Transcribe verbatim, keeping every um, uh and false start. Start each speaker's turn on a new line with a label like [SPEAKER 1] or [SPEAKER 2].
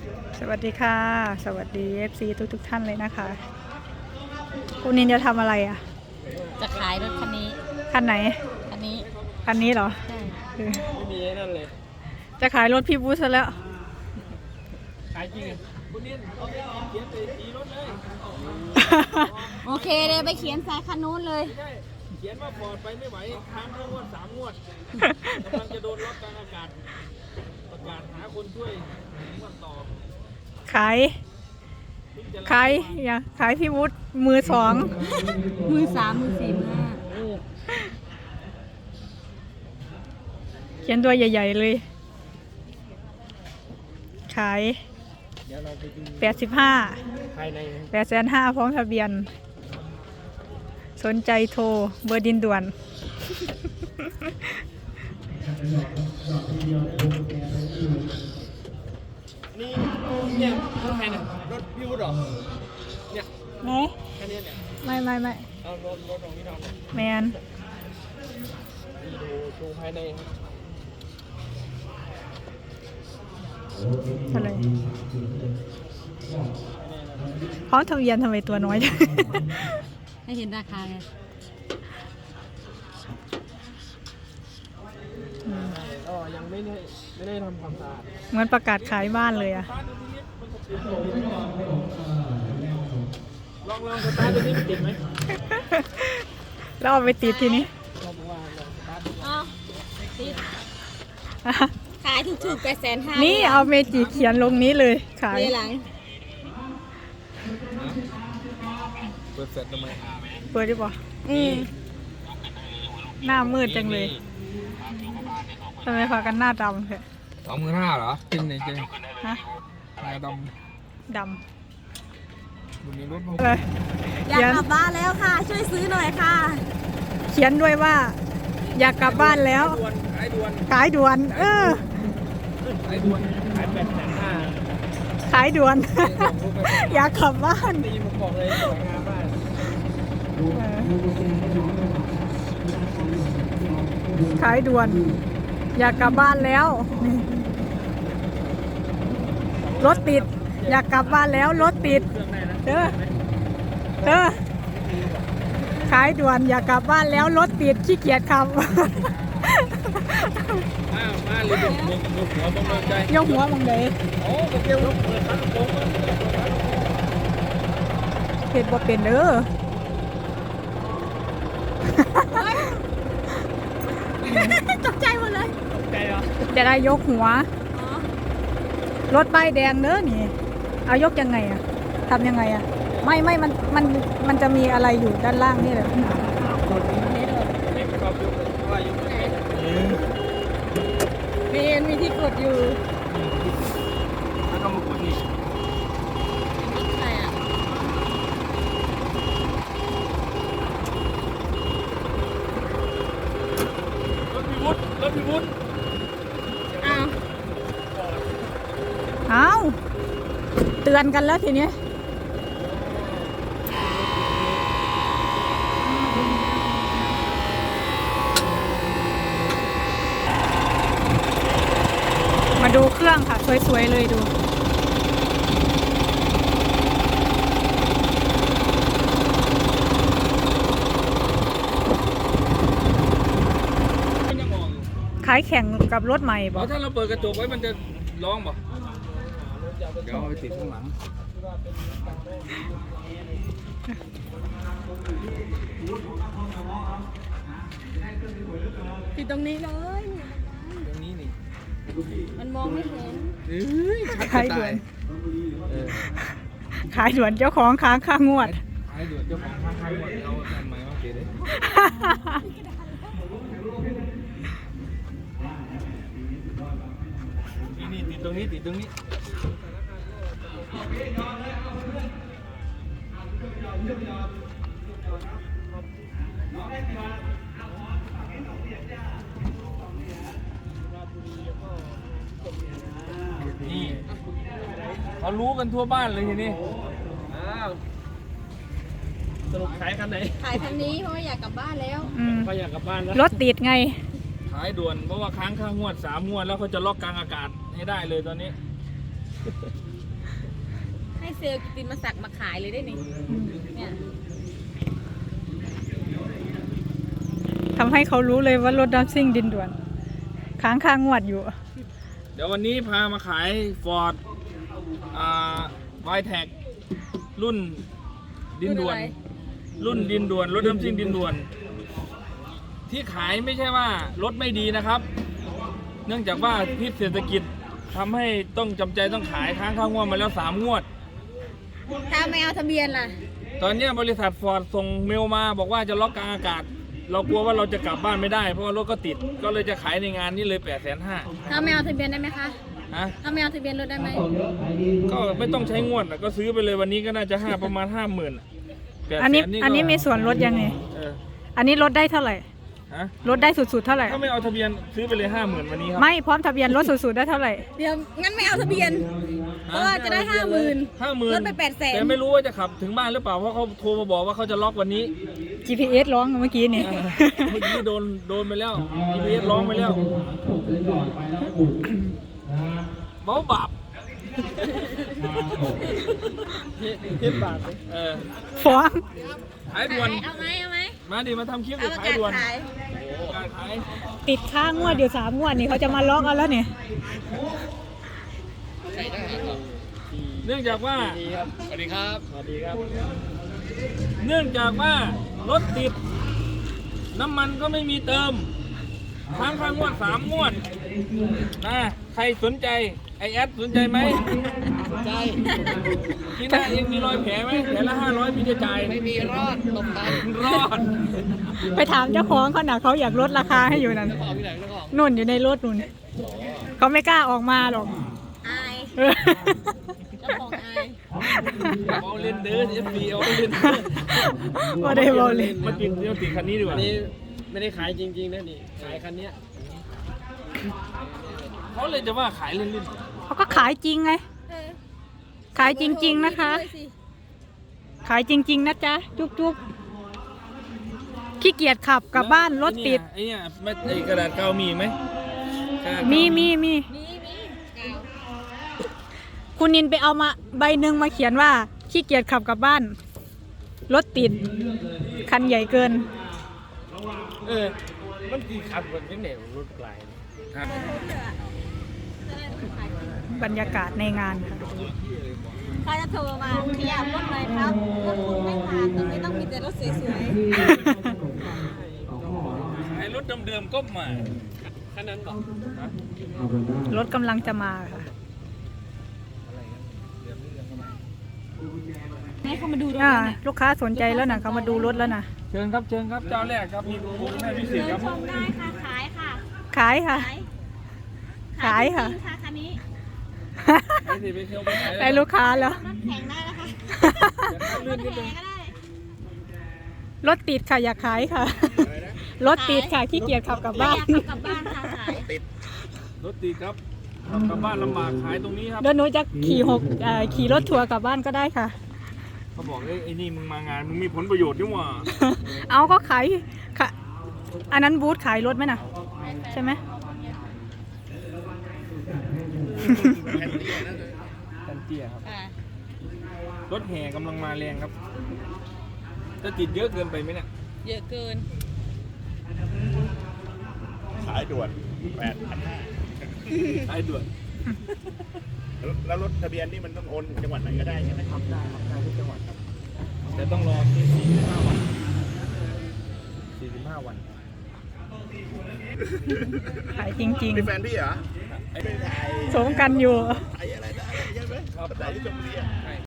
[SPEAKER 1] สวัสดีค่ะสวัสดี เอฟ ซี ทุกทุกท่านเลยนะคะคุณนินจะทำอะไรอ่ะ
[SPEAKER 2] จะขายรถคันนี้
[SPEAKER 1] คันไหน
[SPEAKER 2] คันนี้
[SPEAKER 1] คันนี้เหรอ
[SPEAKER 2] ใช่
[SPEAKER 3] ไม่มีนั่นเลย
[SPEAKER 1] จะขายรถพี่บูธซะแล้ว
[SPEAKER 3] ขายจริงคุณนินเอาไปเขียนไปตีรถเลย
[SPEAKER 2] โอเคเลยไปเขียนสายคันนู้นเลย
[SPEAKER 3] ใช่เขียนว่าปลอดไปไม่ไหวค้างทั้งงวดสามงวดกำลังจะโดนล็อกกลางอากาศประกาศหาคนช่วยงวดต่อ
[SPEAKER 1] ขายขายอย่าขายพี่วุฒิมือสอง
[SPEAKER 2] มือสามมือสี่มือห้า
[SPEAKER 1] เขียนตัวใหญ่ๆเลยขายแปดสิบห้าแปดแสนห้าพร้อมทะเบียนสนใจโทรเบอร์ดินด่วน
[SPEAKER 3] นี่เนี่ยรถใครเนี่ยรถพี่วุฒิหรอเนี่ย
[SPEAKER 1] ไหน
[SPEAKER 3] แค่นี้เนี่ย
[SPEAKER 1] ไม่ไม่ไม่
[SPEAKER 3] เอารถรถของพี่ทอง
[SPEAKER 1] แมน
[SPEAKER 3] ดูดูภายใน
[SPEAKER 1] อะไรพร้อมทะเบียนทำไมตัวน้อยจัง
[SPEAKER 2] ให้เห็นราคาไง
[SPEAKER 3] ก็ยังไม่ได้ไม่ได้ทำความสะอาด
[SPEAKER 1] เหมือนประกาศขายบ้านเลยอะ
[SPEAKER 3] ลองลองสตาร์ทตัวนี้มันติดไหม
[SPEAKER 1] แล้วเอาไปติดทีนี้
[SPEAKER 2] อ๋อติดขายถูกๆแปดแสนห้า
[SPEAKER 1] นี่เอาเมจิเขียนลงนี้เลยขาย
[SPEAKER 2] หลัง
[SPEAKER 3] เปิดเสร็จทำไม
[SPEAKER 1] เปิดได้ปะอืมหน้ามืดจังเลยทำไมพากันหน้าดำเถอะ
[SPEAKER 3] สองหมื่นห้าเหรอจริงไหนจริง
[SPEAKER 1] ฮะ
[SPEAKER 3] หน้าด
[SPEAKER 1] ำดำ
[SPEAKER 2] อยากกลับบ้านแล้วค่ะช่วยซื้อหน่อยค่ะ
[SPEAKER 1] เขียนด้วยว่าอยากกลับบ้านแล้ว
[SPEAKER 3] ขายด่วน
[SPEAKER 1] ขายด่วนเออ
[SPEAKER 3] ขายด่วนขายแปดแสนห้า
[SPEAKER 1] ขายด่วนอยากกลับบ้าน
[SPEAKER 3] ตีมาบอกเลยสวยงามมาก
[SPEAKER 1] ขายด่วนอยากกลับบ้านแล้วรถติดอยากกลับบ้านแล้วรถติดเด้อเด้อขายด่วนอยากกลับบ้านแล้วรถติดขี้เกียจขับ
[SPEAKER 3] มามาเลยยกหัวบังใจ
[SPEAKER 1] ยกหัวบังเลย
[SPEAKER 3] โอ้กระเทียมลูกเปิดร้านโค้ง
[SPEAKER 1] เผ็ดบ่เป็นเด้อ
[SPEAKER 2] ตกใจหมดเลย
[SPEAKER 3] ตกใจเหรอ
[SPEAKER 1] จะได้ยกหัวรถป้ายแดงเด้อนี่เอายกยังไงอะทำยังไงอะไม่ไม่มันมันมันจะมีอะไรอยู่ด้านล่างนี่แหละมีมีที่กดอยู่
[SPEAKER 3] แล้วก็มากดนี่
[SPEAKER 2] ใช่อ่ะ
[SPEAKER 3] รถพิวุฒิรถพิวุฒิ
[SPEAKER 2] อ้าว
[SPEAKER 1] อ้าวเตือนกันแล้วทีนี้มาดูเครื่องค่ะสวยๆเลยดูขายแข่งกับรถใหม่ป่ะ
[SPEAKER 3] ถ้าเราเปิดกระจกไว้มันจะร้องป่ะเดี๋ยวเอาไปติดข้างหลัง
[SPEAKER 2] ติดตรงนี้เลย
[SPEAKER 3] ตรงนี้นี่
[SPEAKER 2] มันมองไม่เห็น
[SPEAKER 1] ขายด่วนขายด่วนเจ้าของค้างค่างวด
[SPEAKER 3] ขายด่วนเจ้าของค้างค่างวดเอาทำไมมาเกเลยนี่ติดตรงนี้ติดตรงนี้นี่เขารู้กันทั่วบ้านเลยทีนี้อ้าวสรุปขายคันไหน
[SPEAKER 2] ขายคันนี้เพราะว่าอยากกลับบ้านแล้ว
[SPEAKER 3] ก็อยากกลับบ้านแล้ว
[SPEAKER 1] รถติดไง
[SPEAKER 3] ขายด่วนเพราะว่าค้างค่างวดสามงวดแล้วเขาจะล็อกกลางอากาศให้ได้เลยตอนนี้
[SPEAKER 2] ให้เซลล์กิติมาสักมาขายเลยได้นี่เนี่ย
[SPEAKER 1] ทำให้เขารู้เลยว่ารถดัมซิ่งดินด่วน ค้างค่างวดอยู่
[SPEAKER 3] เดี๋ยววันนี้พามาขายฟอร์ดอ่าไวแท็กรุ่นดินด่วน รุ่นดินด่วนรถดัมซิ่งดินด่วน ที่ขายไม่ใช่ว่ารถไม่ดีนะครับ เนื่องจากว่าพิษเศรษฐกิจทำให้ต้องจำใจต้องขายค้างค่างวดมาแล้วสามงวด
[SPEAKER 2] ถ้าไม่เอาทะเบียนล่ะ
[SPEAKER 3] ตอนนี้บริษัทฟอร์ดส่งเมลมาบอกว่าจะล็อกกลางอากาศ เรากลัวว่าเราจะกลับบ้านไม่ได้เพราะว่ารถก็ติดก็เลยจะขายในงานนี้เลยแปดแสนห้า
[SPEAKER 2] ถ้าไม่เอาทะเบียนได้ไหมคะ
[SPEAKER 3] ฮะ
[SPEAKER 2] ถ้าไม่เอาทะเบียนรถได้ไหม
[SPEAKER 3] ก็ไม่ต้องใช้งวดอะก็ซื้อไปเลยวันนี้ก็น่าจะห้าประมาณห้าหมื่น
[SPEAKER 1] อันนี้อันนี้มีส่วนลดยังไง
[SPEAKER 3] เออ
[SPEAKER 1] อันนี้ลดได้เท่าไหร่
[SPEAKER 3] ฮะ
[SPEAKER 1] ลดได้สุดๆเท่าไหร่
[SPEAKER 3] ถ้าไม่เอาทะเบียนซื้อไปเลยห้าหมื่นวันนี้ครับ
[SPEAKER 1] ไม่พร้อมทะเบียนลดสุดๆได้เท่าไหร่
[SPEAKER 2] เดี๋ยวงั้นไม่เอาทะเบียน เพราะว่าจะได้ห้าหมื่น
[SPEAKER 3] ห้าหมื่น
[SPEAKER 2] ลดไปแปดแสน
[SPEAKER 3] แต่ไม่รู้ว่าจะขับถึงบ้านหรือเปล่าเพราะเขาโทรมาบอกว่าเขาจะล็อกวันนี้
[SPEAKER 1] จี พี เอส ร้องเมื่อกี้นี่
[SPEAKER 3] เออเมื่อกี้โดนโดนไปแล้ว จี พี เอส ร้องไปแล้วเบาบาปเทปบาปเออ
[SPEAKER 1] ฟ้อง
[SPEAKER 3] ขายด่วน
[SPEAKER 2] เอาไหมเอาไหม
[SPEAKER 3] มาดิมาทำคลิป
[SPEAKER 2] เอา
[SPEAKER 3] ดิ
[SPEAKER 2] ประ
[SPEAKER 3] ขาย
[SPEAKER 2] กาศ
[SPEAKER 3] ด่วน
[SPEAKER 2] ขาย
[SPEAKER 3] การขาย
[SPEAKER 1] ติดค้างงวดอยู่สามงวดนี่เขาจะมาล็อกเอาแล้วเนี่ย
[SPEAKER 3] เนื่องจากว่า
[SPEAKER 4] สวัสดีครับ
[SPEAKER 3] สวัสดีครับ เนื่องจากว่ารถติด น้ำมันก็ไม่มีเติมค้างค่างวดสามงวดนะใครสนใจไอแอดสนใจไหม
[SPEAKER 4] สนใจ
[SPEAKER 3] ที่หน้าเองมีรอยแผลไหมแผลละห้าร้อยพี่จะจ่าย
[SPEAKER 4] ไม่มีรอดตบตัน
[SPEAKER 3] รอด
[SPEAKER 1] ไปถามเจ้าของเขาหน่ะเขาอยากลดราคาให้อยู่นั่น
[SPEAKER 4] เจ้าของที่ไหนเจ้าของ
[SPEAKER 1] นุ่นอยู่ในรถนุ่นเขาไม่กล้าออกมาหรอก
[SPEAKER 2] อาย
[SPEAKER 1] เออ
[SPEAKER 2] เจ้าของอาย
[SPEAKER 3] เอาเล่นเด้อเอฟบีเอาเล่น
[SPEAKER 1] ว่าได้บอลเลย
[SPEAKER 3] มาติดเดี๋ยวติดคันนี้ดีก
[SPEAKER 4] อั
[SPEAKER 3] ว่าน
[SPEAKER 4] นี้ไม่ได้ขายจริงๆนะนี่ ขายคันเนี้ย
[SPEAKER 3] เขาเลยจะว่าขายเล่น
[SPEAKER 1] เขาก็ขายจริงไง
[SPEAKER 2] เออ
[SPEAKER 1] ขายจริง ๆนะคะ
[SPEAKER 2] ด้วยสิ
[SPEAKER 1] ขายจริง ๆ นะจ๊ะ จุ๊บจุ๊บขี้เกียจขับ
[SPEAKER 3] ๆ
[SPEAKER 1] กลับบ้านรถติด
[SPEAKER 3] ไอ้เนี่ยไอ้เนี่ยไอ้กระดาษเกาวมีไหมกระดาษเกาว
[SPEAKER 1] มีมีมี
[SPEAKER 2] มีมีกาว
[SPEAKER 1] คุณนินไปเอามาใบหนึ่งมาเขียนว่าขี้เกียจขับกลับบ้าน รถติด คันใหญ่เกิน
[SPEAKER 3] เออมันกี่ขับกันเป็นแนวรถไกลครับ
[SPEAKER 1] บรรยากาศในงานค่ะ
[SPEAKER 2] เขาจะโทรมาขยับรถหน่อยครับรถคุณไม่ผ่านตรงนี้ต้องมีแต่รถสวย
[SPEAKER 3] ขายรถเดิมๆก็มา
[SPEAKER 4] คันนั้นบอก
[SPEAKER 1] รถกำลังจะมาค่ะ
[SPEAKER 2] ๆให้เขามาดูรถ
[SPEAKER 1] อ่า
[SPEAKER 2] หน่อย
[SPEAKER 1] ลูกค้าสนใจแล้วนะเขามาดูรถแล้วนะ
[SPEAKER 3] เชิญครับเชิญครับเจ้าแรกครับมีโปรโมชั่นพิเศษครับ
[SPEAKER 2] ชมได้ค่ะ ขายค่ะ
[SPEAKER 1] ขายค่ะ
[SPEAKER 2] ขาย
[SPEAKER 1] ขายค่ะ
[SPEAKER 2] จริงๆค่ะคันนี้
[SPEAKER 3] ไปสิไปเที่ยวไปขาย
[SPEAKER 1] ได้ลูกค้าแล้ว
[SPEAKER 2] รถแข่งได้นะคะรถแข่งก็ได้
[SPEAKER 1] รถติดค่ะอยากขายค่ะ รถติดค่ะขี้เกียจขับกลับบ้าน
[SPEAKER 2] อยากกลับบ้านค่ะขาย
[SPEAKER 3] รถติดครับขับกลับบ้านลำบากขายตรงนี้ครับ
[SPEAKER 1] เดี๋ยวหนูจะขี่หกเอ่อขี่รถทัวร์กลับบ้านก็ได้ค่ะ
[SPEAKER 3] เขาบอกเอ้ยไอ้นี่มึงมางานมึงมีผลประโยชน์นี่หว่า
[SPEAKER 1] เอาก็ขายค่ะ อันนั้นบูธขายรถไหมน่ะ ใช่ไหม
[SPEAKER 3] กันเตี้ยครับ
[SPEAKER 2] อ่าร
[SPEAKER 3] ถแห่กำลังมาแรงครับ จะติดเยอะเกินไปไหมเนี่ย
[SPEAKER 2] เยอะเกิน
[SPEAKER 5] ขายด่วนแปดพันห้า
[SPEAKER 3] ขายด่วน
[SPEAKER 5] แล้วรถทะเบียนนี่มันต้องโอนจังหวัดไหนก็ได้ใช่ไหมครับ
[SPEAKER 3] ได้ครับได้ทุกจังหวัดครับแต่ต้องรอสี่สิบห้าวันสี่สิบห้าวัน
[SPEAKER 1] ขายจริง
[SPEAKER 5] เป็นแฟนพี่เหรอ
[SPEAKER 3] ไอ้
[SPEAKER 5] ไม่ถ่าย
[SPEAKER 1] ๆ สมกันอยู่
[SPEAKER 5] ถ่ายอะไรได้ใช่ไหม
[SPEAKER 3] ครับ
[SPEAKER 5] ถ่ายที่ชมบุรีอะ